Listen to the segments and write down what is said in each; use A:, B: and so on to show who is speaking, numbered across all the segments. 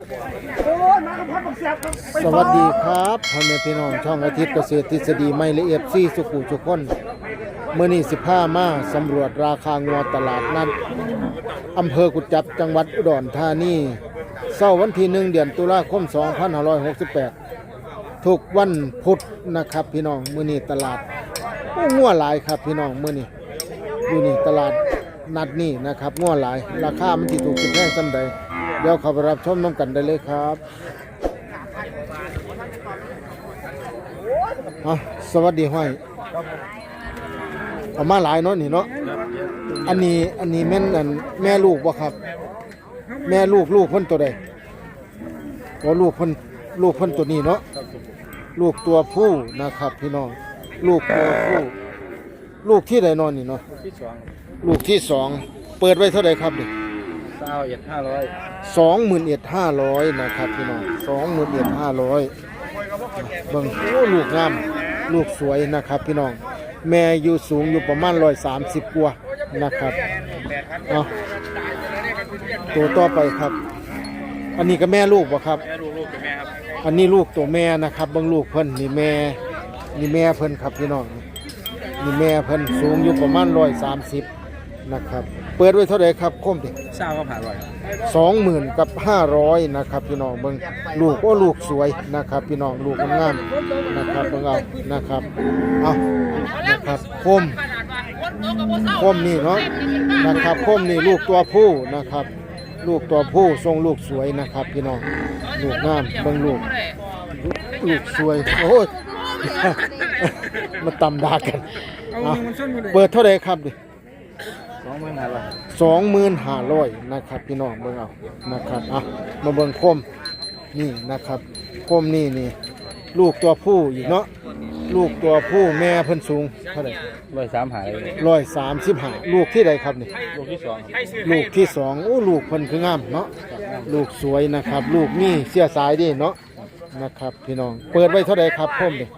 A: สวัสดีครับพ่อแม่พี่น้องช่องอาทิตย์เกษตรทฤษฎีไม่ละเอียดซี่สุขุทุกคนเมื่อนี้15มาสำรวจราคางัวตลาดนัดอำเภอกุจจับจังหวัดอุดรธานีเช้าวันที่1เดือนตุลาคม2568ทุกวันพุธนะครับพี่น้องมื้อนี้ตลาดงัวหลายครับพี่น้องมื้อนี้อยู่นี่ตลาดนัดนี่นะครับงัวหลายราคามันสิถูกสิแพงส่ำใดเดี๋ยวเข้าไปรับชมน้ำกันได้เลยครับสวัสดีห้อยเอามาหลายเนาะนี่เนาะอันนี้แม่นแม่ลูกบ่ครับแม่ลูกเพิ่นตัวใดลูกเพิ่นตัวนี้เนาะลูกตัวผู้นะครับพี่น้องลูกตัวผู้ลูกที่ใดนอนนี่เนาะลูกที่สองเปิดไว้เท่าไหร่ครับนี่21,500นะครับพี่น้อง21,500เบิ่งโอ้ลูกงามลูกสวยนะครับพี่น้องแม่อยู่สูงอยู่ประมาณ130กว่านะครับตัวต่อไปครับอันนี้ก็แม่ลูกบ่ครับลูกตัวแม่ครับอันนี้ลูกตัวแม่นะครับเบิ่งลูกเพิ่นนี่แม่เพิ่นครับพี่น้องนี่แม่เพิ่นสูงอยู่ประมาณ130นะครับเปิดไว้เท่าไหร่ครับคมดิ20,000กับ500นะครับพี่น้องเบิ่งลูกลูกสวยนะครับพี่น้องลูกงามๆนะครับเบิ่งเอานะครับเอานะครับคมนี่เนาะนะครับคมนี่ลูกตัวผู้นะครับลูกตัวผู้ทรงลูกสวยนะครับพี่น้องลูกงามเบิ่งลูกสวยโอ้ยมาตำดากันเปิดเท่าไหร่ครับดิ25,000นะครับพี่น้องเบิ่งเอานะครับมาเบิ่งคมนี่นะครับคมนี่ลูกตัวผู้อีกเนาะลูกตัวผู้แม่เพิ่นสูงเท่าไหร่135ลูกที่ใดครับนี่ลูกที่สองโอ้ลูกเพิ่นคืองามเนาะลูกสวยนะครับลูกนี่เสียสายดิเนาะนะครับพี่น้องเปิดไว้เท่าไหร่ครับคมดิ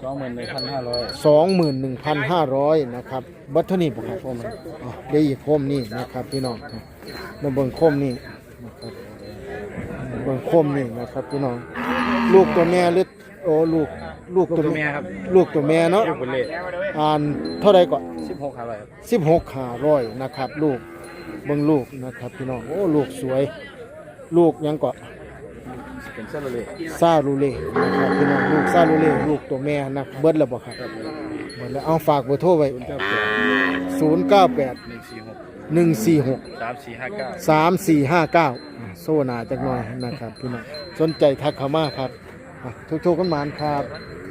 A: 21,500นะครับบัตรเท่านี้บ่ครับคมได้อีกคมนี่นะครับพี่น้องมาเบิ่งคมนี่นะครับเบิ่งคมนี่นะครับพี่น้องลูกตัวแม่หรือโอ้ลูกตัวแม่ครับลูกตัวแม่เนาะเท่าไหร่ก่อน16,500นะครับลูกเบิ่งลูกนะครับพี่น้องโอ้ลูกสวยลูกยังก่อนเป็นซาลูเล่นะครับพี่น้องลูกซาลูเล่ลูกตัวแม่นะเบิดแล้วบ่ครับเบิดแล้วเอาฝากเบอร์โทรไว้098 146 3459โซนาจักหน่อยนะครับพี่น้องสนใจทักเข้ามาครับทุกๆกันมานครับ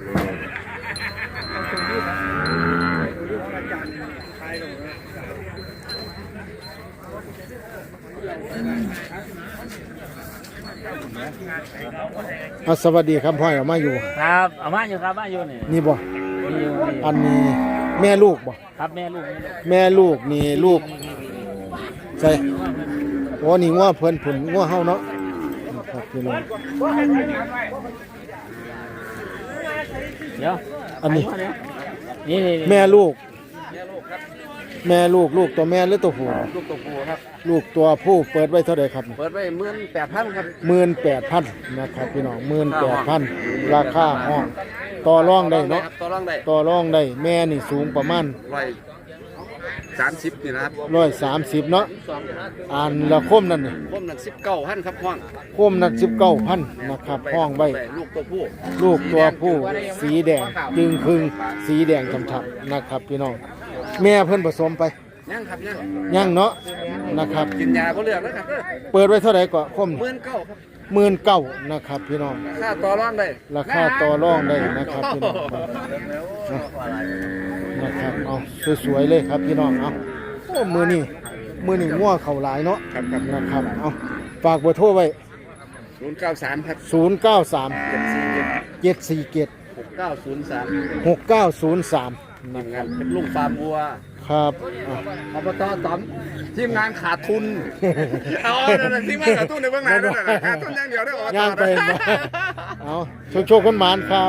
A: สวัสดีครับพ่อยเอามาอยู่
B: ครับเอามาอยู่ครับมาอยู่
A: นี่บ่อันนี้แม่ลูกบ่
B: ครับแม่ลูก
A: นี่ลูกใช่โอ้นี่งัวเพิ่นผุนงัวเฮาเนาะครับพี่น้อง
B: เดี๋ยว
A: อันนี้
B: นี่
A: แม่ลูกลูกตัวแม่หรือตัวผู้
B: ลูกตัวผู้ครับ
A: ลูกตัวผู้เปิดไว้เท่าไหร่ครับ
B: เปิดไว้18,000ครับ
A: 18,000นะครับพี่น้อง18,000ราคาห้องต่อรองได้เนาะต่อรองได้แม่นี่สูงประมาณ
C: 130นี่นะครับ
A: 130เนาะละคมนั่นนี่
C: คมนั่น19,000ครับห้อง
A: คมนั่น19,000นะครับห้องไว้
C: ลูกตัว
A: ผู้สีแดงจึงครึ่งสีแดงฉ่ำๆนะครับพี่น้องแม่เพิ่นผสมไป
C: ยังครับ
A: ยังเนาะนะครับ
C: กินยาบ่เลือกนะครับ
A: เปิดไว้เท่าไหร่ก็คม
C: 19,000ครับ
A: 19,000นะครับพี่น้อง
C: ราคาต่อรอง
A: ได้นะครับพี่น้องนะครับเอาสวยๆเลยครับพี่น้องเอาโอ้มือนี่งัวเข่าหลายเนาะนะครับเอาฝากเบอร์โทรไว้
C: 093ครับ
A: 093 747 6903
C: นะครับเป็นลุงฟาร์มวัว
A: ครับ
C: อบต.ต๋อมทีมงานขาดทุนทีมงานขาดทุนในเบื้องหน้าด้วยนะขาดทุนอย่างเดียวได้อบต.
A: ย่างไปเอาโชคกันหมานครับ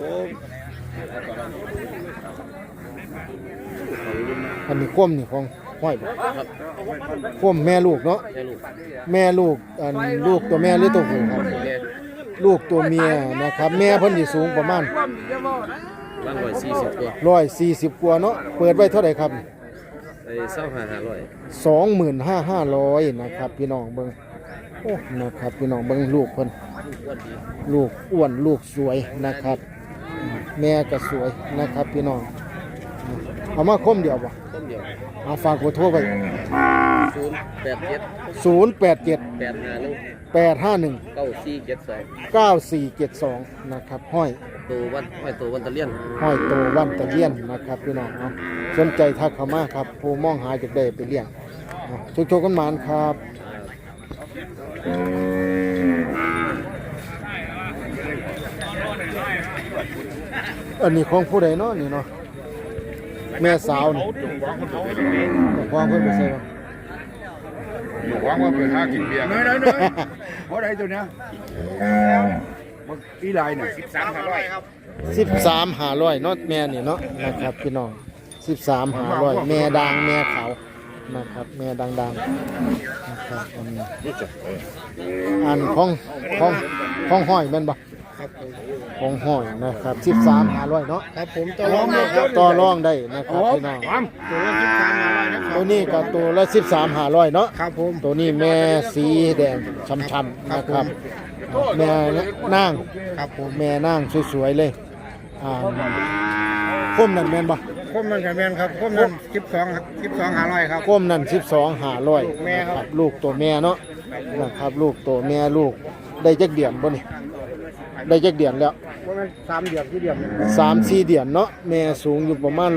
A: อันนี้คว่ำนี่ของห้อยบ่
B: ครับ
A: คมแม่ลูกเนาะ
B: แม่ลูก
A: แม่ลูกอันลูกตัวแม่หรือตัวผู้ครับ
B: แม่
A: ลูกตัวเมียนะครับแม่เพิ่นสิสูงประมาณ
B: บ้าน140ตัว
A: 140กว่าเนาะเปิดไว้เท่าไหร่ครับ
B: ไอ้เศร้า500
A: 25,500นะครับพี่น้องเบิ่งโอ้นะครับพี่น้องเบิ่งลูกเพิ่น
B: วันดี
A: ลูกอ้วนลูกสวยนะครับ แม่ก็สวยนะครับพี่น้องเอามาคมเดียวบ่
B: ต้นเดียว
A: เอาฝากเบอร์โทรไว้
B: 087
A: 087
B: 851
A: 851
B: 9472
A: 9472นะครับห้อย
B: ตัววันตะเลียน
A: ห้อยโตวันตะเลียนนะครับพี่น้องเอาสนใจทักเข้ามาครับผู้มองหาจากได้ไปเลี้ยงโชคๆกันหมานครับ อันนี้ของผู้ใดเนาะนี่เนาะแม่สาวนี่ควางเพิ่นไปใส่บ่
C: หวังว่าเป็นหากินเบียร์น้อยเพราะใดตัวเนี้ยปีไรเนี่ย13,500ครับ
A: 13,500เนาะแม่นี่เนาะนะครับพี่น้อง13,500แม่ดังแม่ขาวนะครับแม่ดังๆนะครับอันของห้อยแม่นบ่ของห้อยนะครับ13,500เนาะ
C: ครับผมต่อรองเลย
A: ต่อรองได้นะครับพี่น้อง
C: ตัวละ13,500นะครับ
A: ตัวนี้ก็ตัวละ13,500เนาะ
C: ครับผม
A: ตัวนี้แม่สีแดงช้ำๆนะครับแม่นาง
C: ครับผม
A: แม่นางสวยๆเลยคมนั่นแม่นบ่
C: คมมันกับแมนครับคมนั้น12,500ครับ
A: คมนั่น12,500
C: แม่ครับ
A: ลูกตัวแม่เนาะนะครับลูกตัวแม่ลูกได้จักเดือนบ่นี่ได้จักเดือนแล้ว
C: ว่ามัน3 เดือนที่เดือน
A: 3-4 เดือนเนาะแม่สูงอยู่ประมาณ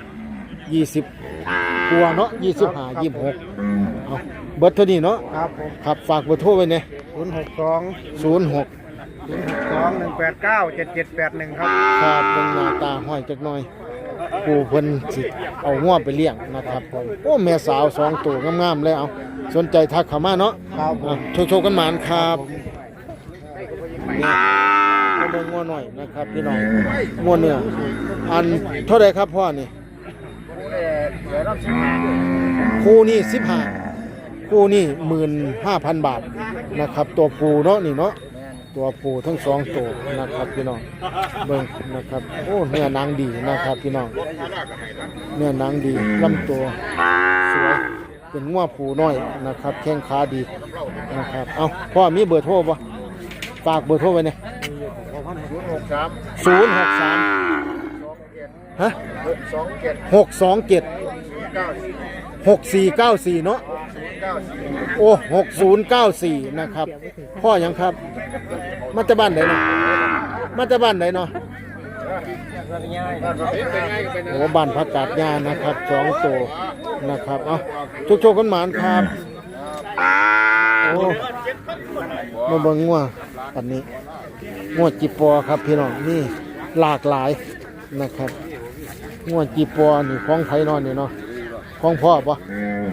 A: 120กว่าเนาะ25 26เอาเบิดเท่านี้เนาะ
C: ครับผม
A: ครับฝากเบอร์โทรไว้เนี่ย
C: 062 1897781ครับ
A: ครับเบิ่งหน้าตาห้อยจักหน่อยผู้เพิ่นสิเอางัวไปเลี้ยงนะครับผมโอ้แม่สาว2ตัวงามๆเลยเอาสนใจทักเข้ามาเนาะ
C: ครับผม
A: โชคๆกันหมานครับนี่มาเบิ่งงัวหน่อยนะครับพี่น้องงัวเนื้ออันเท่าใดครับพ่อนี่คู่นี่15คู่นี่15,000 บาทนะครับตัวปูเนาะนี่เนาะตัวปูทั้ง2ตัวนะครับพี่น้องเบิ่งนะครับโอ้เนื้อหนังดีนะครับพี่น้องเนื้อหนังดีลำตัวสวยเป็นงัวปูน้อยนะครับแข้งขาดีนะครับเอาพ่อมีเบอร์โทรบ่ฝากเบอร์โทรไว้เนี่ย063ฮะ627 6494เนาะโอ้6094นะครับพ่อหยังครับมาจากบ้านไหนเนาะมาจากบ้านไหนเนาะโอ้บ้านพักกาดยานะครับ2ตัวนะครับเอาโชคๆกันหมานครับโอ้มาเบิ่งงัวอันนี้งัวจิปอครับพี่น้องนี่หลากหลายนะครับงัวจิปอนี่ของไผนอนนี่เนาะของพ่อปะ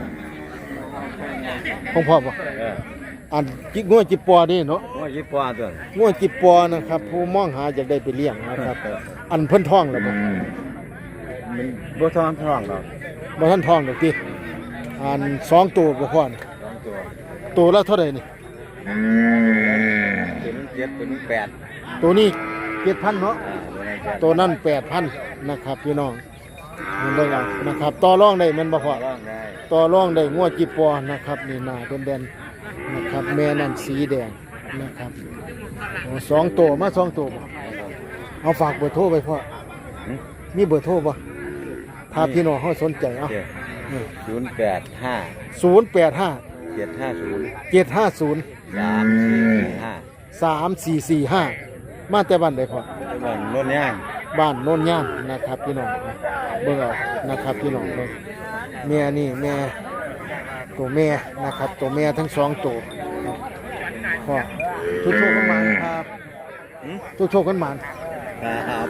A: ของพ่อปะอันจิงัวจิปอนี่เนาะ
B: ว่ายี่ปอตัว
A: งัวจิปอนะครับผู้มองหาอยากได้ไปเลี้ยงนะครับอันเพิ่นท้องแล้วบ่
B: มันบ่ท้องหรอก
A: บ่ทันท้องดอกติอัน2ตัวบ่พอนี่
B: 2ตัว
A: ตัวละเท่าใดนี่
B: ตัวนั้น7ตัวนั้น8
A: ตัวนี้ 7,000 เนาะ
B: ตัวนั้น8
A: ตัวนั้น 8,000 นะครับพี่น้องเห็นได้แล้วนะครับต่อรองได้แม่นบ่พอ
B: ร้องได้
A: ต่อรองได้งัวจิปอนะครับนี่หน้าเด่นๆนะครับแม่นั่นสีแดงนะครับโอ้2ตัวมา2ตัวบ่เอาฝากเบอร์โทรไว้พ่อมีเบอร์โทรบ่ถ้าพี่น้องเฮาสนใจเอา
B: 085
A: 085
B: 750
A: 750 3445มาแต่บ้านใดพ่อ
B: มันโน่นย่าง
A: บ้านโน่นย่างนะครับพี่น้องเบิ่งเอานะครับพี่น้องเบิ่งแม่นี่แม่ตัวแม่นะครับตัวแม่ทั้ง2ตัวพ่อโชคๆกันมาครับโชคๆกันมา
B: ครับ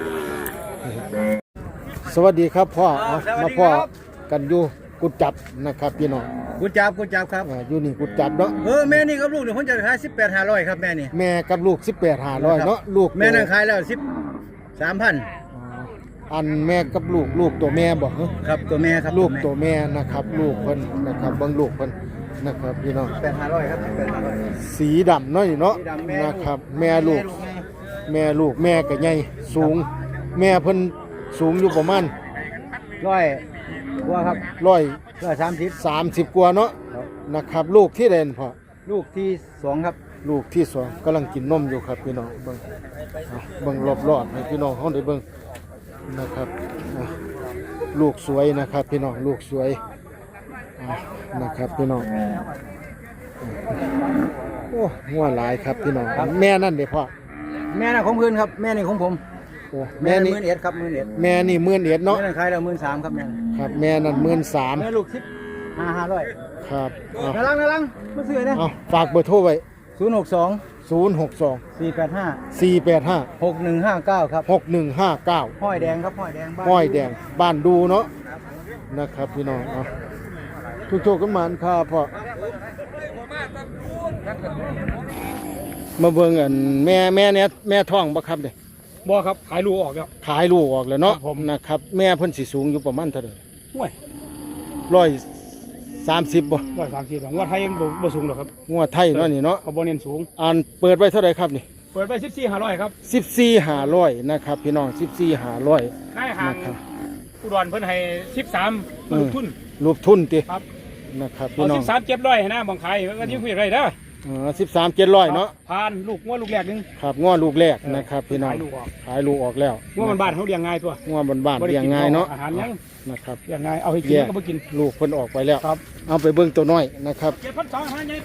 A: สวัสดีครับพ่อเอามาพ่อกันอยู่กุดจับนะครับพี่น้อง
C: กูจับครับ
A: อยู่นี่กุดจับเนาะ
C: แม่นี่กับลูกเดี๋ยวผมจะขาย18,500ครับแม่นี่
A: แม่กับลูก18,500เนาะลูก
C: แม่นั่งขายแล้ว13,000
A: อ๋ออันแม่กับลูกตัวแม่บ่ฮะ
B: ครับตัวแม่ครับ
A: ลูกตัวแม่นะครับลูกเพิ่นนะครับเบิ่งลูกเพิ่นนะครับพี่น้อง
B: 8,500ครับ8,500
A: สีดำเนาะนี่เนาะ
B: สีดำแม่
A: นะครับแม่ลูกแม่ก็ใหญ่สูง แม่เพิ่นสูงอยู่ประมาณ
B: ร้อยกว่าครับ
A: 130กว่าเนาะนะครับลูกที่เด่นพอ
B: ลูกที่2ครับ
A: ลูกที่สองกำลังกินนมอยู่ครับพี่น้องเบิ่งเอาเบิ่งรอบๆให้พี่น้องเขาได้เบิ่งนะครับเอาลูกสวยนะครับพี่น้องลูกสวยเอานะครับพี่น้องโอ้หัวหลายครับพี่น้องแม่นั่นเด้พ่อ
B: แม่น่ะของเพิ่นครับแม่นี่ของผม
A: โอ้
B: แม่
A: แม่นี่
B: 11,000ครับ11,000
A: แม่นี่11,000เนาะ
B: แม่นั่นขายแล้ว13,000ครับแม่
A: ครับแม่นั่น
B: แม่
A: 13,000
B: ลูก500
A: ครับเอา
B: น่ารักมาซื้อนะ
A: เอาฝากเบอร์โทรไว้
B: 062
A: 062
B: 485
A: 485
B: 6159ครับ
A: 6159
B: ห้อยแดงครับห้อยแดงบ้าน
A: ห้อยแดงบ้านดูเนาะนะครับพี่น้องเอาทุกโชคกันมาครับพ่อมาเบิ่งอันแม่เนี่ยแม่ท้องบ่ครับเด้
D: บ่ครับขายลูกออกแล้ว
A: ขายลูกออกแล้วเนาะ
D: ครับผม
A: นะครับแม่เพิ่นสิสูงอยู่ประมาณเท่าใด
D: ห่วย
A: 130บ่
D: 130งวดไทยยังบ่สูงหรอกครับ
A: งัวไทยเนาะนี่เนาะ
D: เขาบ่เน้นสูง
A: อันเปิดไว้เท่าใดครับนี่
D: เปิดไป14,500ครับ
A: 14,500นะครับพี่น้อง14,500
D: นายห่าง
A: นะครับ
D: อุดรเพิ่นให้13ลูกทุน
A: รูปทุนติ
D: ครับ
A: นะครับ
D: เอา
A: พี่น้อง
D: 13,700ให้นะบังขายก็ยิ่งคุยได้เด้อ
A: 13,700เนาะ
D: ผ่านลูกงัวลูกแรกหนึง
A: ครับง้อลูกแรกนะครับพี่น้อง
D: ขายลูกออก
A: ขายลูกออกแล้ว
D: งัวมันบ้านเขาเลี้ยงง่ายตัว
A: ง้อบ้านๆเลี้ยงง่ายเนาะ
D: อาหารยัง
A: นะครับ
D: เลี้ยงง่ายเอาให้กิน
A: แยก
D: ก็บ่กิน
A: ลูกเพิ่นออกไปแล้ว
D: ครับ
A: เอาไปเบิ่งตัวน้อยนะครับ
D: 7,200หาใหญ่ไป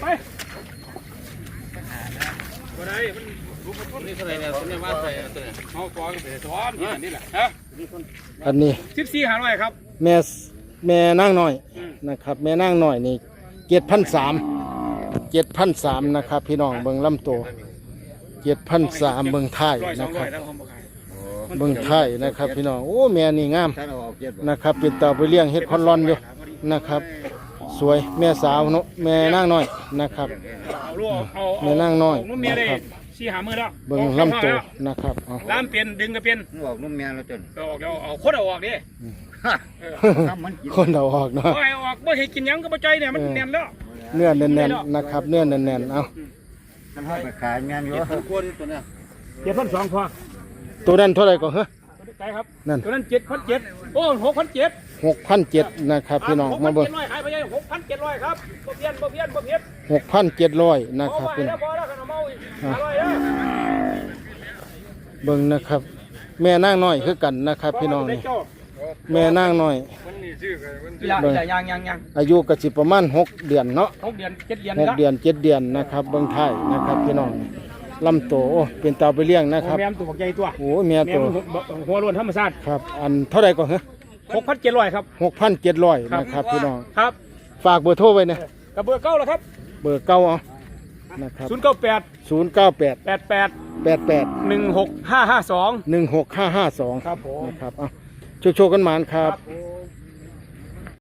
D: บ่ได้มันลูกมันทุนนี่เท่าไหร่เนี่ยตัวนี้ว่าใส่ตัวนี้เอาตัวก็ไปสอนนี่แหละฮะ
A: อันนี้
D: 14,500ครับ
A: แม่นางน้อย
D: อืม
A: นะครับ แม่นางน้อยนี่7,300นะครับพี่น้องเบิ่งลำตัว7,300เบิ่งท้ายนะครับ
D: 100-200แล้วผมบ่ขาย
A: เบิ่งท้ายนะครับพี่น้องโอ้แม่นี่งาม
B: ถ้าเราออกเจ็ด
A: นะครับเป็นเต่าไปเลี้ยงเฮ็ดคอนรอนอยู่นะครับ สวยแม่สาวเนาะแม่นางน้อยนะครับ
D: เอาลูกเอา
A: แม่นางน้อย
D: นุ่มเมียได้
A: นะครับ
D: 4-5มื้อแล้ว
A: เบิ่งลำตัวนะครับเอา
D: ล้ามเปลี่ยนดึงก็เปลี่ยน
B: ออกนุ่มแม่แล้วจน
D: เอาออกแล้วเอาคนเอาออกดิ
B: ทำมันกิน
A: คนเอาออกเนาะ
D: บ่ให้เอาออกบ่ให้กินหยังก็บ่ใจเนี่ยมันแน่นแล้ว
A: เนื้อแน่นๆนะครับเนื้อแน่นๆเอา
B: มันให้ไปขายงานอยู่คนตัวเนี้ย
D: 7,200พอ
A: ตัวนั้นเท่าไหร่ก็เหรอ
D: ใจครับ
A: นั่น
D: ตัวนั้น7,700โอ้6,700
A: 6,700นะครับพี่น้องมาเบิ่ง
D: 6,700ขายไปยัง6,700ครับบ่เปลี่ยนบ่เปลี่ยนบ่เปลี่ยน
A: 6,700นะค
D: เอา
A: รับ
D: ไว้
A: พี่น้
D: แล้
A: อ
D: ว
A: ง
D: พอแล้วขนมเอาอีก500เด้อ
A: เบิ่งนะครับ แม่นางน้อยคือกันนะครับพี่น้องนี่แม่นางน้อย เบิ่ง
D: ยัง
A: อายุก็สิประมาณ6เดือนเนาะ
D: 6 เดือน 7 เดือน
A: 6เดือน7เดือนนะครับเบิ่งท้ายนะครับพี่น้องลำโตโอ้เป็นเต่าไปเลี้ยงนะครับ
D: แม่มตัวบักใหญ่ตัว
A: โอ้แม่
D: แม่
A: ตัว
D: มันหัวล้วนธรรมชาติ
A: ครับอันเท่าไหร่ก็เหรอ
D: 6,700ครับ
A: 6,700นะครับพี่น้อง
D: ครับ
A: ฝากเบอร์โทรไว้นะ
D: กับเบอร์เก้าแล้วครับ
A: เบอร์เก่าเอานะครับ
D: 098
A: 098
D: 88
A: 88
D: 16552
A: 16552
D: ครับผม
A: นะครับเอาโชคๆกันหมานครับ
D: ผม